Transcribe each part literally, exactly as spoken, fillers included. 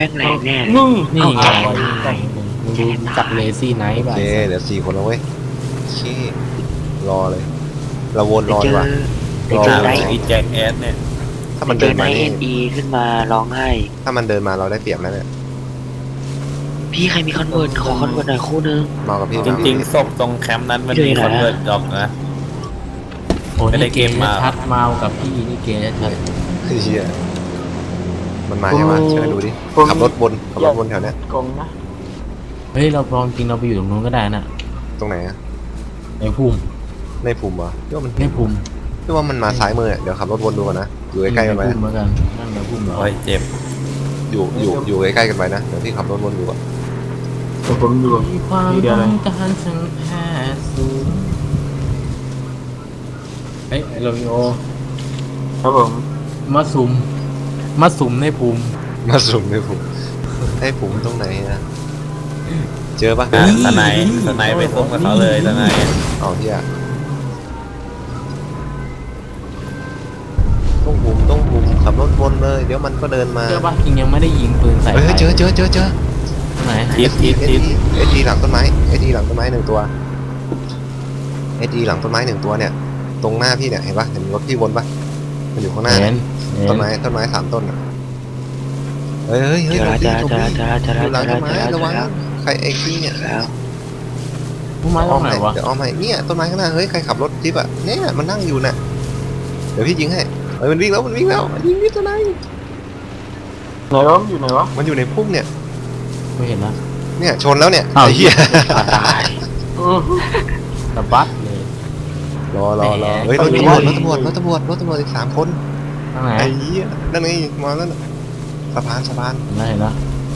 แม่งแรงแน่เลยนี่นี่ไงเอานี่ไงมึงมึงรู้จักเลซี่ไนท์โอป่ะเคเดี๋ยวสี่คนแล้วเว้ยโอเครอเลยเราวนรอเจดีอกว่าไปเจอรอไดอีแจ็คแอดเนี่ยถ้าไปมันเจเดิอน ไดมาเอ็นี่นอีขึ้นมาร้องไห้ถ้ามันเดินมาเราได้เปรียบแล้วเนี่ยพี่ใครมีคอนเวิร์ตขอคอนเวิร์ตหน่อยคู่นึงเมากับพี่จริงๆศพตรงแคมป์นั้นมันอยู่มีไหนคอนเวิร์ตดอกนะโอ้ไม่ได้นี่เกเกมมมาชัดเมากับพี่นี่เกมชัดเฮียมันมาใช่ไหมช่วยดูดิขับรถวนขับรถวนแถวเนี้ยกงนะเฮ้ยเราลองจริงเราไปอยู่ตรงนู้นก็ได้น่ะตรงไหนอะในภูมิในภูมิวะพี่ว่ามันในภูมิพี่ว่ามันมาซ้ายมือเดี๋ยวขับรถวนดูก่อนนะอยู่ใกล้ๆกันไว้ในภูมิเหมือนกันนั่นในภูมิเหรอโอ้ยเจ็บอยู่อยู่อยู่ใกล้ๆกันไว้นะเดี๋ยวพี่ขับรถวนดูก่อนแต่ผมอยู่มีความทีเดียวเลยต้องการสังแพทย์สูงเฮ้ยโรมิโอครับผมมาสุมมาสุมในภูมิมาสุ่มในภูมิไอ้ภูมิตรงไหนนะเจอปะอ่ะสไนด์สไนด์ไปส้มกับเขาเลยสไนด์เอาเฮียต้องภูมิต้องภูมิขับรถวนเลยเดี๋ยวมันก็เดินมาเจอปะจริงยังไม่ได้ยิงปืนใส่เฮ้ยเจอเจอเจอเจอตรงไหนทิศทิศเอทิศทีเอทีหลังต้นไม้เอทีหลังต้นไม้หนึ่งตัวเอทีหลังต้นไม้หนึ่งตัวเนี่ย ตรงหน้าพี่เนี่ยเห็นปะเห็นรถพี่วนปะมันอยู่ข้างหน้าเห็เนี่ยนเห็นต้นไม้ต้นไม้สามต้นอะเฮ้ยเฮ้ยเจเฮ้ยอหลแล้วบเจพี่อหลแล้วบเจอพี่แล้วเจออแล้วยู่เจหอลังแล้วต้นเจอไม้แล้วระวังใครไอ้พี่เนี่ยแล้วผู้ไม้ตรงไหนวะเดี๋ยวเอาใหม่เนี่ยต้นไม้ข้างหน้าเฮ้ยใครขับรถจิ๊บอะเนี่ยมันนั่งอยู่น่ะเดี๋ยวพี่ยิงให้เฮ้ยมันวิ่งแล้วมันวิ่งแล้วมันยิงนี่ตัวไหนไหนวะอยู่ไหนวะมันอยู่ในพุ่มเนี่ยไม่เห็นนะเนี่ยชนแล้วเนี่ยอ้าวไอ้เหี้ยตายตะบัดเลยรอรอรอเฮ้ยรถตำรวจรถตำรวจรถตำรวจรถตำรวจอีกสามคนทางไหนไอ้เหี้ยนั่นไงมาแล้วน่ะสะพานสะพานเห็นแล้วเห็นแล้ว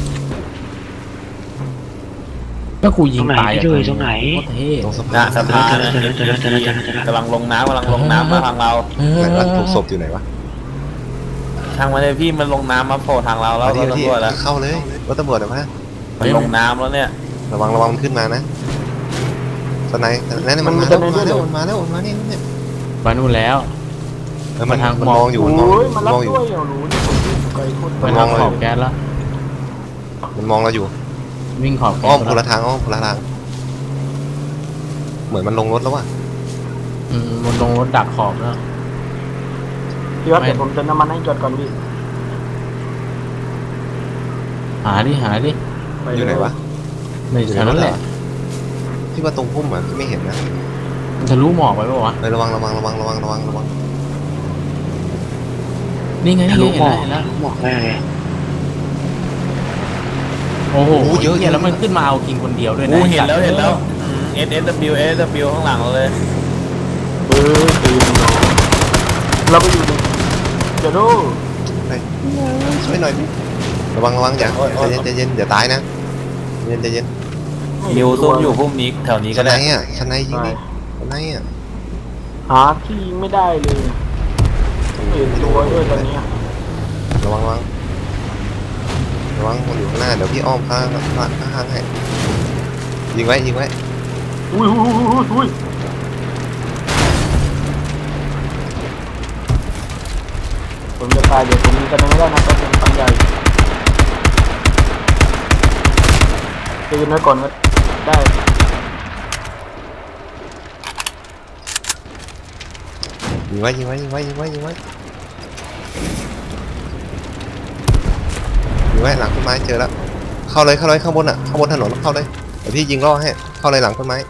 ก็กูยิงตายอะตรงไหนพี่ด้วยตรงไหนโคตรเท่ตรงสะหน้าพานสะพานเจอแล้วเจอแล้วเจอแล้วเจอแล้วเจอแล้วเจอแล้วกำลังลงน้ำกำลังลงน้ำมาทางเราเออไหนวะถูกศพอยู่ไหนวะทางมาเลยพี่มันลงน้ำมาโผล่ทางเราแล้วมาเราที่ที่ตำรวจแล้วเข้าเลยรถตำรวจเหรอวะมันลงน้ำแล้วเนี่ยระวังระวังมันขึ้นมานะสไนด์นั่นมันมาแล้วมันมาแล้วมันมาแล้วมันมาเนี่ยเนี่ยมานู่นแล้วเออมันมาทางมันมองอยู่มันมองอยู่มันมองอยู่ไกลโคตรไปทางขอบแก๊สแล้วมันมองเราอยู่วิ่งขอบแก๊อ้อสมคนละทางอ้อมคนละทางเหมือนมันลงรถแล้วว่ะอืมมันลงรถดักขอบแล้วพี่ว่าเดี๋ยวผมเติมน้ำมันให้จอดก่อนพี่หาดิหาดิอยู่ไหนวะในแถวนั้นแหละที่ว่าตรงพุ่มอ่ะที่ไม่เห็นนะมันจะรู้หมอกไปปะวะเออระวังระวังระวังระวังระวังระวังนี่ไงทะนี่ลุไงหมเห็นอกแล้วเห็นแล้วหมอกแม่เลยโอ้โหเยอะแยะแล้วมันขึ้นมาเอากินคนเดียวด้วยนะกูเห็นแล้วเห็นแล้ว S S W S W ข้างหลังเราเลยเออตีนเราไปอยู่ในเดี๋ยวดูไปช่วยหน่อยระวังระวังอย่าใจเย็นใจเย็นอย่าตายนะใจเย็นใจเย็นนิวซุ่มอยู่พุ่มนี้แถวนี้สก็ไนได้ด์อ่ะสไนด์ยิงดิสไนด์อ่ะหาที่ยิงไม่ได้เลยเปลี่ยนตัวด้วยตอนเนี้ยระวังระวังระวังมันอยู่ข้างหน้าเดี๋ยวพี่อ้อมข้างข้างข้างให้ยิงไว้ยิงไว้อุ้ยอุ้ยอุ้ยอุ้ยผมจะตายเดี๋ยวผมมีกันไม่ได้นะต้องเป็นปัญญาตีกันไว้ก่อนก็ได้ยิงไว้ยิงไว้ยิงไว้ยิงไว้ยิงไว้ยิงไว้หลังต้นไม้เจอแล้วเข้าเลยเข้าเลยข้างบนอ่ะข้างบนถนนเข้าเลยเดี๋ยวพี่ยิงล่อให้เข้าเลยหลังต้นไม้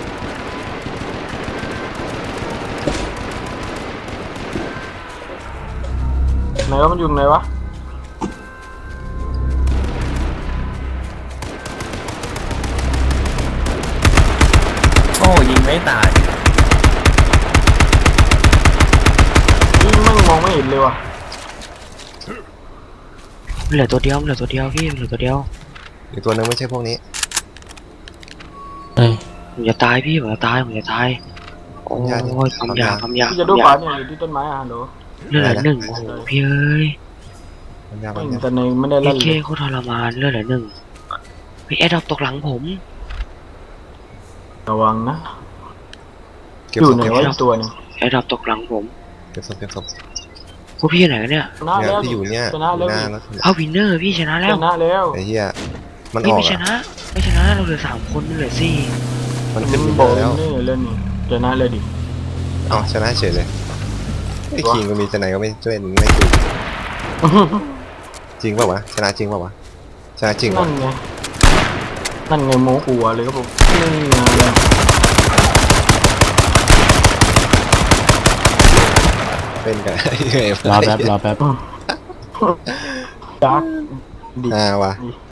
ไหนวะมันอยู่ไหนวะโอ้ยิงไม่ตายนี่แม่งมองไม่เห็นเลยว่ะเหลือตัวเดียวเหลือตัวเดียวพี่เหลือตัวเดียวอีกตัวหนึงไม่ใช่พวกนี้เอ้ยผมจะตายพี่ผมจะตายผมจะตายโอ้ยความยาวความยาวพี่จะดูขวาเนี่ยอยู่ที่ต้นไม้อ่ะฮัลโหลเลือดเหลือหนึ่งโอ้โหพี่เอ้ยมันยาวไม่มันยาวแต่ในไม่ได้เอเล่นเคเลยโคตรทรมานเลือดเหลือหนึ่งพี่แอดดอปตกหลังผมระวังนะเก็บอยู่ศพไหนเก็บวะศอีพกตัวหนึงแอดดอปตกหลังผมเก็บศพเก็บศพพวกพี่อยู่ไหนกันเนี่ยชนะเนี่ยแล้วพี่อยู่เนี่ยชนะอยู่แล้วหน้าแล้วเอาวินเนอร์พี่ชนะแล้ชวนะแล้วไอ้เหี้ยมันอพี่อกไม่ชอะนะไม่ชนะเราเหลือสามคนมันเหลือสี่มันขึ้นมัวินนบอกแล้วนี่เล่นนี่ชนะเลยดิอ๋อชนะเฉยเลยไอ้คิงก็มีจะไหนก็ไม่ช่วยไม่ดูจริงเปล่าวะชนะจริงเปล่าวะชนะจริงนั่วะนไงนั่นไงโมหัวเลยครับผมนี่ไงเป็นกันรอแป๊บรอแป๊บดักอ่าวะ